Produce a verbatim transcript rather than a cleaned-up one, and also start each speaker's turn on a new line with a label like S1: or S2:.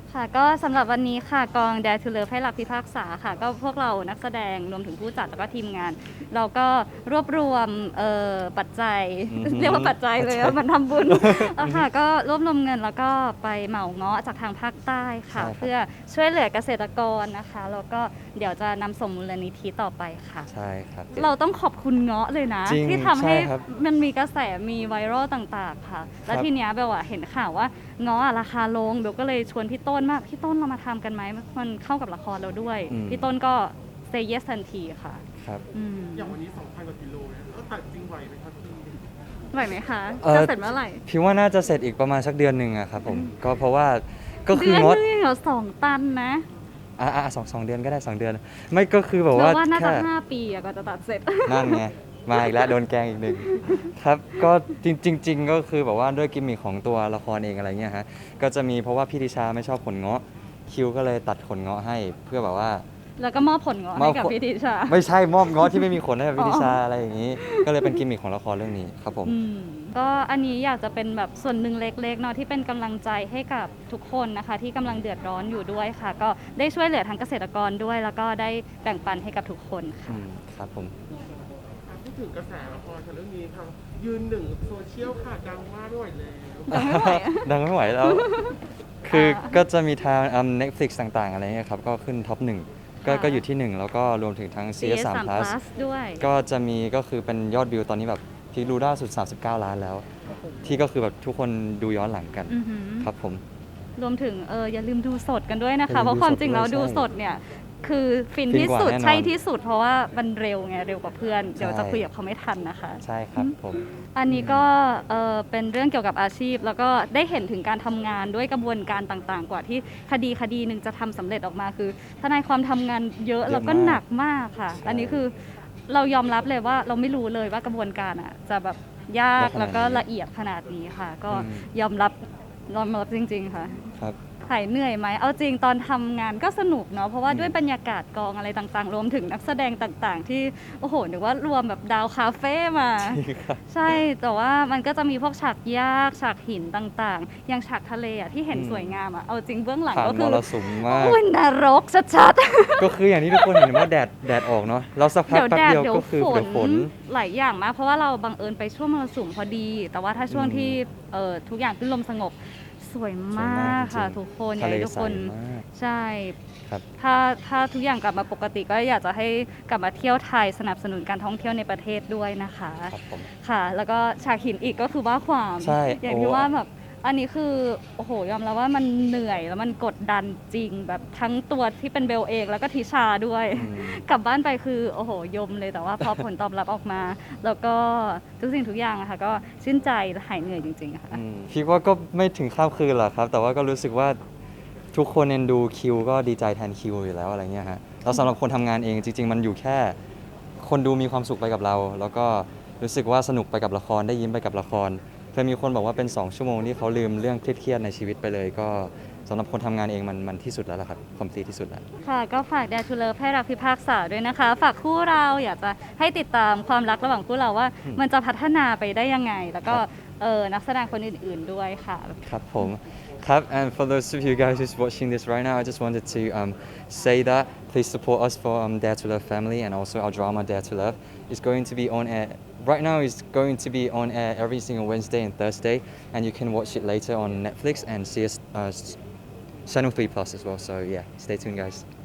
S1: ค่ะก็สำหรับวันนี้ค่ะกอง Dare to Love ให้รักพิพากษาค่ะก็พวกเรานักแสดงรวมถึงผู้จัดแล้วก็ทีมงาน เราก็รวบรวมเอ่อปัจจัย
S2: อือฮึ
S1: เรียกว่าปัจจัยเลย
S2: ปัจจัย
S1: อะมันทำบุญ เอาค่ะก็รวบรวมเงินแล้วก็ไปเหมาเงาะจากทางภาคใต้ค่ะ
S2: ใช่ครับ
S1: เพื่อช่วยเหลือเกษตรกรนะคะแล้วก็เดี๋ยวจะนำส่งมูลนิธิต่อไปค่ะ
S2: ใช่ครับ
S1: เราต้องขอบคุณเงาะเลยนะ
S2: จริง
S1: ที่ทำให้
S2: ใช่ครับ
S1: มันมีกระแสมีไวรัลต่างๆค่ะ แล้ว
S2: ครับ
S1: ทีเนี้ยเบลอะเห็นข่าวว่าเงาะอะราคาลงเบลก็เลยชวนพี่ต้นมาพี่ต้นเรามาทำกันไหมมันเข้ากับละครเราด้วย
S2: อืม
S1: พี่ต้นก็ say yes ทันทีค่ะ
S2: ครับ
S1: อืม
S3: อย่างวันนี้ สองพัน กว่ากิโลนะแล้วตัดจริงไหวไหมครับพี่
S1: ไหวไหมคะ
S2: เอ่อ
S1: จะเสร็จเมื่อไหร่
S2: พี่ว่าน่าจะเสร็จอีกประมาณสักเดือนหนึ่งอะครับผมก็เพราะว่าก็คื
S1: เดื
S2: อ
S1: อน
S2: งด
S1: นึงเหรอสองตันนะ
S2: อ่าสองสองเดือนก็ได้สองเดือน ไม่ก็คือแบบ
S1: เรา
S2: ว่า
S1: ว่าน่าจะ
S2: แค่
S1: ห้าปีอะก็จะตัดเสร็จ
S2: นั่นไงมาอีกแล้วโดนแกล้งอีกหนึ่งครับก็จริงจริงๆก็คือแบบว่าด้วยกิมมิคของตัวละครเองอะไรเงี้ยฮะก็จะมีเพราะว่าพี่ดิชาไม่ชอบผลเงาะคิวก็เลยตัดขนเงาะให้เพื่อแบบว่า
S1: แล้วก็มอบผลเงาะ
S2: มอ
S1: ให้
S2: บ
S1: กับ
S2: ผล
S1: พี่ทิชา
S2: ไม่ใช่มอบเงาะที่ไม่มีขนให้กับพี่
S1: อ๋อ
S2: ดิชาอะไรอย่างนี้ ก็เลยเป็นกิมมิคของละครเรื่องนี้ครับผม
S1: อืมก็อันนี้อยากจะเป็นแบบส่วนหนึ่งเล็กๆเนาะที่เป็นกำลังใจให้กับทุกคนนะคะ ที่กำลังเดือดร้อนอยู่ด้วยค่ะ ก็ได้ช่วยเหลือทั้งเกษตรกรด้วย แล้วก็ได้แบ่งปันให้กับทุกคนค่ะ
S2: อืมครับผม
S3: อ่ะพูดถึงกระแสละครค่ะเรื่องนี้ค่ะยืนหนึ่งโซเชียลค่ะดังมากด้วยแล้ว
S1: ดังไม่ไหวอะ
S2: ดังไม่ไหวแล้ว คือ
S1: อ่า
S2: ก็จะมีทางอืม Netflix ต่างๆ อะไรเงี้ยครับ ก็ขึ้นท็อปหนึ่งก็
S1: ค่ะ
S2: ก็อยู่ที่หนึ่งแล้วก็รวมถึงทั้ง ซี เอส สาม plus
S1: ด้วย
S2: ก็จะมีก็คือเป็นยอดวิวตอนนี้แบบพีคดูล่าสุด สามสิบเก้า ล้านแล้ว ที่ก็คือแบบทุกคนดูย้อนหลังกัน
S1: อือหือ
S2: ครับผม
S1: รวมถึงเอออย่าลืมดูสดกันด้วยนะ
S2: อย่าลืม
S1: คะเพราะความจริงแล้ว
S2: ดู
S1: ดู
S2: สดด้วย
S1: สดเนี่ยคือฟิน
S2: ฟิน
S1: ที่
S2: กว่า
S1: สุด
S2: แน่นอน
S1: ใช่ที่สุด เพราะว่ามันเร็วไงเร็วกว่าเพื่อน เดี๋ยว
S2: ใช่
S1: จะคุยกับเขาไม่ทันนะคะ
S2: ใช่ครับผม
S1: อันนี้ก็เอ่อเป็นเรื่องเกี่ยวกับอาชีพ แล้วก็ได้เห็นถึงการทำงานด้วยกระบวนการต่างๆ กว่าที่คดีคดีหนึ่งจะทำสำเร็จออกมาคือทนายความทำงานเยอะ
S2: เยอะ
S1: แล้วก็
S2: มาก
S1: หนักมากค่ะ
S2: ใช่
S1: อันนี้คือเรายอมรับเลยว่าเราไม่รู้เลยว่ากระบวนการอ่ะจะแบบยาก
S2: ยากขนาดนี้
S1: แล้วก็ละเอียดขนาดนี้ค่ะ ก็
S2: อืม
S1: ยอมรับยอมรับจริง ๆ ค่ะ
S2: ครับ
S1: หายเหนื่อยไหม เอาจริงตอนทำงานก็สนุกเนาะ เพราะว่า
S2: อืม
S1: ด้วยบรรยากาศกองอะไรต่างๆ รวมถึงนักแสดงต่างๆ ที่ โอ้โหนึกว่ารวมแบบดาวคาเฟ่มา ใช่ แต่ว่ามันก็จะมีพวกฉากยาก ฉากหินต่างๆ อย่างฉากทะเลอะที่เห็น
S2: อืม
S1: สวยงามอะเอาจริงเบื้องหลัง
S2: ผ่าน
S1: ก็
S2: ม
S1: คือ
S2: รสุมมาก
S1: โอ้ยนรกชัด
S2: ก็คืออย่างที่ทุกคนเห็นว่าแดดแดดออกเนาะแล้วสัก
S1: ๆ
S2: พัก
S1: เดี๋ยว
S2: แป๊บ
S1: แดด
S2: เดียว
S1: เดี๋ยว
S2: ก็คือ
S1: ฝ
S2: เดี๋ยวฝ
S1: น
S2: น
S1: หลายอย่างมาก เพราะว่าเราบังเอิญไปช่วงมรสุมพอดี แต่ว่าถ้าช่วง
S2: อืม
S1: ที่เอ่อทุกอย่างขึ้นลมสงบสวยมากค่ะ
S2: จริงๆ
S1: ทุกคนอยา
S2: ทะ
S1: ก
S2: เล
S1: ให้ทุก
S2: ใส
S1: คน
S2: มาก
S1: ใช่
S2: ครับ
S1: ถ้าถ้าทุกอย่างกลับมาปกติก็อยากจะให้กลับมาเที่ยวไทยสนับสนุนการท่องเที่ยวในประเทศด้วยนะคะ
S2: ครับผม
S1: ค่ะ แล้วก็ฉากหินอีกก็คือว่าความ
S2: ใช่
S1: อย่างที่
S2: โอ้
S1: ว่าแบบอันนี้คือโอ้โหยอมรับว่ามันเหนื่อยแล้วมันกดดันจริงแบบทั้งตัวที่เป็นเบลเองแล้วก็ทิชาด้วย
S2: อืม
S1: กลับบ้านไปคือโอ้โหยมเลยแต่ว่าพอผลตอบรับออกมา แล้วก็ทุกสิ่งทุกอย่างอะค่ะก็ชื่นใจและหายเหนื่อยจริงๆค่ะ
S2: อืมคิดว่าก็ไม่ถึงข้ามคืนหรอกครับ แต่ว่าก็รู้สึกว่าทุกคนเอ็นดูคิวก็ดีใจแทนคิวอยู่แล้วอะไรเงี้ยฮะแล้วสำหรับคนทำงานเองจริง ๆ มันอยู่แค่ คนดูมีความสุขไปกับเรา แล้วก็รู้สึกว่าสนุกไปกับละครได้ยิ้มไปกับละครเคยมีคนบอกว่าเป็น สอง ชั่วโมงที่เขาลืมเรื่องเครียดๆในชีวิตไปเลย ก็สำหรับคนทำงานเองมันมันที่สุดแล้วล่ะครับคอมพลีทที่สุดแล้ว
S1: ค่ะก็ฝาก Dare to Love ให้รักพิพากษาด้วยนะคะ ฝากคู่เราอยากจะให้ติดตามความรักระหว่างคู่เราว่า
S2: อืม
S1: มันจะพัฒนาไปได้ยังไง แล้วก็
S2: ครับ
S1: เออนักแสดงคนอื่นๆด้วยค่ะ
S2: ครับผมครับ and for those of you guys who's watching this right now I just wanted to um, say that please support us for um, Dare to Love family and also our drama Dare to Love is going to be on air right now is going to be on air every single Wednesday and Thursday and you can watch it later on Netflix and C S uh, Channel three plus as well so yeah stay tuned guys